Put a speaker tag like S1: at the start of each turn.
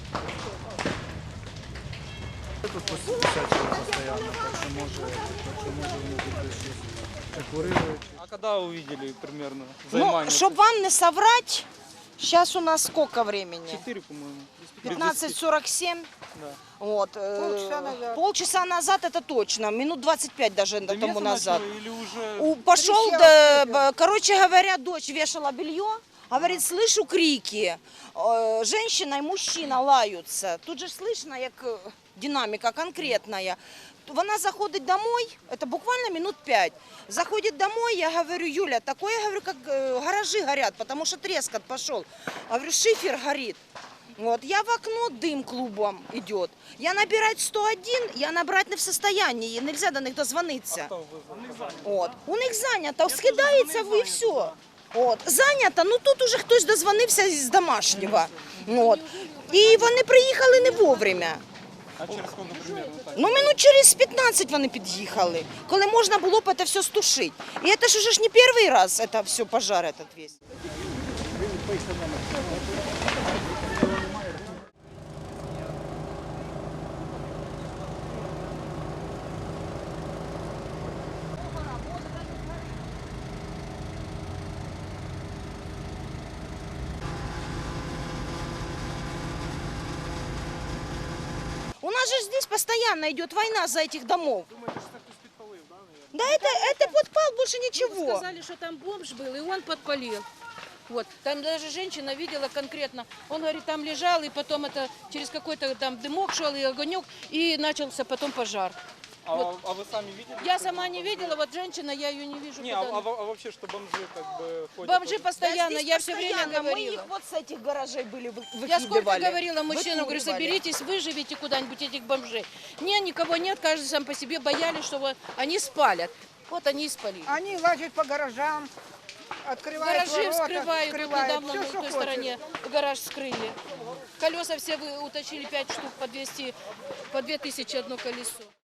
S1: Тут посещают постоянно, так что може вони тут щось курили. А когда увидели примерно займання?
S2: Ну, чтобы вам не соврать, сейчас у нас сколько времени?
S1: 4, по-моему.
S2: 15:47.
S1: Да.
S2: Вот. Полчаса назад это точно, минут 25 даже тому назад.
S1: Или уже...
S2: Пошел, короче говоря, дочь вешала белье, говорит, слышу крики, женщина и мужчина лаются. Тут же слышно, як динамика конкретная. Вона заходит домой, это буквально минут 5. Заходит домой, я говорю, Юля, такое, я говорю, как гаражи горят, потому что трескот пошел. Говорю, шифер горит. Вот, я в окно, дым клубом идет. Я набирать 101, я набрать не в состоянии, нельзя до них дозвониться. Вот. У них занято, скидається ви і все. От. Занято, ну тут уже хтось дозвонився з домашнього. От. І вони приїхали не вовремя.
S1: А через сколько примерно так?
S2: Ну, минут через 15 вони під'їхали, коли можна було б це все стушити. І це ж уже ж не перший раз, це все, пожар этот весь. У нас же здесь постоянно идет война за этих домов.
S1: Думаете, что кто-то подпалил, да, наверное?
S2: Да это подпал, больше
S3: Ему
S2: ничего.
S3: сказали, что там бомж был, и он подпалил. Вот. Там даже женщина видела конкретно. Он говорит, там лежал, и потом это через какой-то там дымок шел, и огонек, и начался потом пожар.
S1: А,
S3: Вот.
S1: а вы сами видели?
S3: Я
S1: что
S3: сама
S1: это
S3: не
S1: было?
S3: видела, вот женщина, я ее не вижу.
S1: Не,
S3: куда она.
S1: а вообще, что бомжи как бы ходят?
S3: Бомжи
S1: тоже?
S3: постоянно,
S2: Да здесь
S3: я все время
S2: постоянно. Мы
S3: говорила.
S2: их вот с этих гаражей были выкидывали.
S3: Я сколько говорила мужчинам, говорю,
S2: Выкуривали.
S3: соберитесь, выживите куда-нибудь этих бомжей. Не, никого нет, каждый сам по себе, боялись, что вот они спалят. Вот они и спалили.
S4: Они лазят по гаражам, открывают
S3: Гаражи
S4: ворота,
S3: вскрывают, вот недавно
S4: все,
S3: на
S4: что
S3: той
S4: хочешь.
S3: стороне гараж вскрыли. Колеса все утащили 5 штук по 200, по 2000 одно колесо.